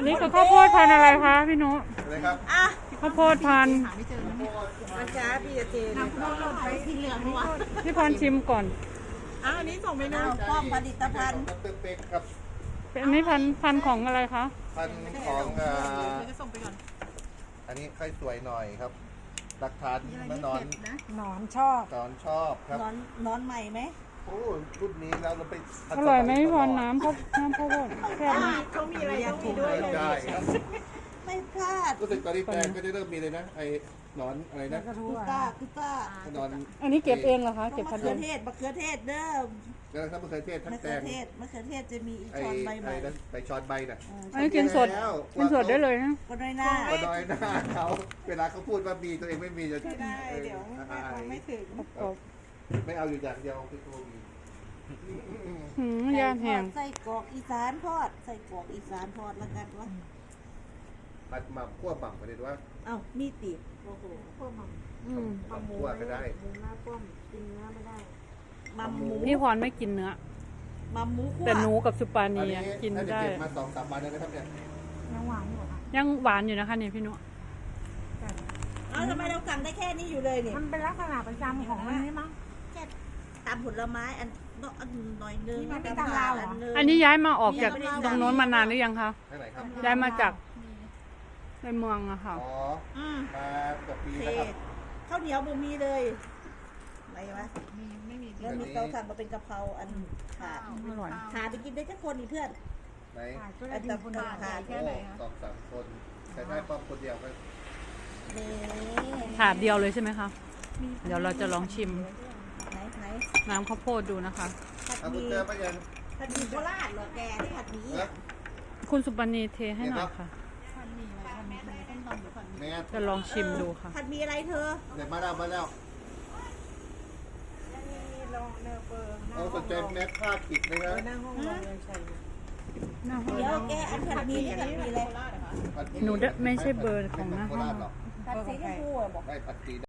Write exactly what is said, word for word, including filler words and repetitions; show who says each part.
Speaker 1: นี่คือข้าวโพดพันธุ์อะไรคะพี่นุ
Speaker 2: อะไรครับ
Speaker 3: อ่ะ
Speaker 1: ข้าวโพดพันธุ์
Speaker 3: มาช้าพี่จะเจนน้ำข้าวโพดไปที่เหลืองวะ
Speaker 1: พี่พรชิมก่อน
Speaker 3: อ้าวอันนี้ส่งไปนะป้อมผลิตภัณฑ์
Speaker 2: ดรเป็กครับ
Speaker 1: เป็นอันนี้พันธุ์พันธุ์ของอะไรคะ
Speaker 2: พันของอ่า
Speaker 3: จะส่งไปก่อน
Speaker 2: อันนี้ค่อยสวยหน่อยครับหลักฐานมานอน
Speaker 4: หนอนชอบ
Speaker 2: นอนชอบครับ
Speaker 3: นอนนอนใหม่ไหม
Speaker 2: โอ้รุ่นนี้แล้วเราไป
Speaker 1: อร่อยไหมพี่พรน้ำข้าวน้ำข้าวโพดแซ่บไหม
Speaker 3: เขามีอะไรต้องมีด้วยเลย
Speaker 2: ได้ครับ
Speaker 3: ไม่พลาด
Speaker 2: รู้สึกตอนนี้แปลงก็จะเริ่มมีเลยนะไอ้หนอนอะไรนะ
Speaker 4: กระทู้
Speaker 3: กุ
Speaker 4: อ่ะ
Speaker 3: ต้ากุต้า
Speaker 2: หนอน
Speaker 1: อันนี้เก็บเองเหรอคะเก็บ
Speaker 3: มะ
Speaker 1: พันธุ์
Speaker 3: เขื
Speaker 1: เอ
Speaker 3: อง เทศมะเขือเทศเด้อ
Speaker 2: แล้วทั้งมะเขือเทศทั้ง
Speaker 3: มะ
Speaker 2: แต
Speaker 3: เขือง เทศมะเขือเทศจะมีอีก
Speaker 2: ไอ้
Speaker 3: ช้อนใบให
Speaker 2: ไอ้
Speaker 3: ม่
Speaker 2: นั้นไปช้อนใบน่ะ
Speaker 1: อันนี้กินสดกินสดได้เลยนะ
Speaker 3: ก็น้อยหน้า
Speaker 2: ก็น้อยหน้าเขาเวลาเขาพูดว่ามีตัวเองไม่มีจะ
Speaker 3: ไม่ได้เดี๋ยว
Speaker 2: อาย
Speaker 3: ไม่ถึง
Speaker 1: กรอบ
Speaker 2: ไม่เอาอยู่อย่างเดียวคือตัวมี
Speaker 1: ๆหืมย่านแห้ง
Speaker 3: ใส่กรอกอีสานทอดใส่กรอกอีสานทอดแล้วกันวะ
Speaker 2: ผัดหม่ำคั่วหม่ำประเด็นว่า
Speaker 3: เอ้ามีติดโอ้โห
Speaker 4: พวกมัน
Speaker 1: อืม
Speaker 2: หม่ำคั่วก็ได้
Speaker 4: หมูหน้าป้อมกินเนื้อไม่ได้
Speaker 3: มัมหมู
Speaker 1: พี่พรไม่กินเนื้อ
Speaker 3: มัมหมูคั่ว
Speaker 1: แต่หนูกับสุปา
Speaker 2: อัน
Speaker 1: นี
Speaker 2: นี้
Speaker 1: อะกิน
Speaker 2: น่าจะ
Speaker 1: ได้
Speaker 2: เก็บมาสองสามวันแล้วนะครับเนี่ย
Speaker 4: ยังหวานอยู่อ่ะ
Speaker 1: ยังหวานอยู่นะคะเนี่ยพี่นุ
Speaker 3: เอ้าทำไมเราสั่งได้แค่นี้อยู่เลยเนี่ย
Speaker 4: มันเป็นลักษณะประจำของมันนี่มั้ง
Speaker 3: แค่ตามผลไม้อันอันหน่อยนึง
Speaker 4: นี่มันไม่ตามเราเหรอ
Speaker 3: นึง
Speaker 1: อันนี้ย้ายมาออกจากตรงโน้นมานานหรือยังคะ
Speaker 2: ที่ไหนครับ
Speaker 1: ย้ายมาจากในเมืองอะค่ะ
Speaker 2: อ๋อ
Speaker 3: อืม
Speaker 2: มาเกับปี
Speaker 3: โอเค
Speaker 2: นะครับ
Speaker 3: ข้าวเหนียวบ่มีเลยอะไรวะ
Speaker 4: มีไม่มี
Speaker 3: แล้วมีเตาถ่านมาเป็นกะเพราอันขาด
Speaker 1: อร่อย
Speaker 3: ขาดไปกินได้แค่คนอีกเพื่อน
Speaker 2: ไหน
Speaker 4: ก็ได้กินคนเดียว
Speaker 3: ขาด
Speaker 4: แค่ไหน
Speaker 2: สองสามคนแต่ได้ป้อมคนเดียวก็
Speaker 3: นี่
Speaker 1: ถาดเดียวเลยใช่ไหมคะ เดี๋ยวเราจะลองชิม
Speaker 3: ไหนไหน
Speaker 1: น้ำข้าวโพดดูนะคะ
Speaker 3: ผัด
Speaker 2: เอา
Speaker 3: ห
Speaker 2: คุ
Speaker 3: มี่
Speaker 2: ณเจอปะยัง
Speaker 3: ผัดหมี่โคราชเหรอแกที่ผัดหมี่
Speaker 2: เออ
Speaker 3: อ่ะ
Speaker 1: คุณสุปนีเทให้หน่อยค่ะ
Speaker 2: แม่
Speaker 1: จะลองชิมดูค่ะ
Speaker 3: ผัดหมี่อะไรเธอ
Speaker 2: เดี๋ยวมาแล้วมาแล้วเอาสนใจแมสผ้าขิดไหมครับ
Speaker 4: หน้าห้องเรายังใช่
Speaker 3: เดี๋ยวแกอันผัดหมี่นี่ผัดหมี่อะไร
Speaker 2: ผัด
Speaker 1: หนูได้ไม่ใช่เบอร์ของหน้าห้อง
Speaker 2: หรอก
Speaker 3: ผัดสีชมพูอะบอก
Speaker 2: ได้ผัดสี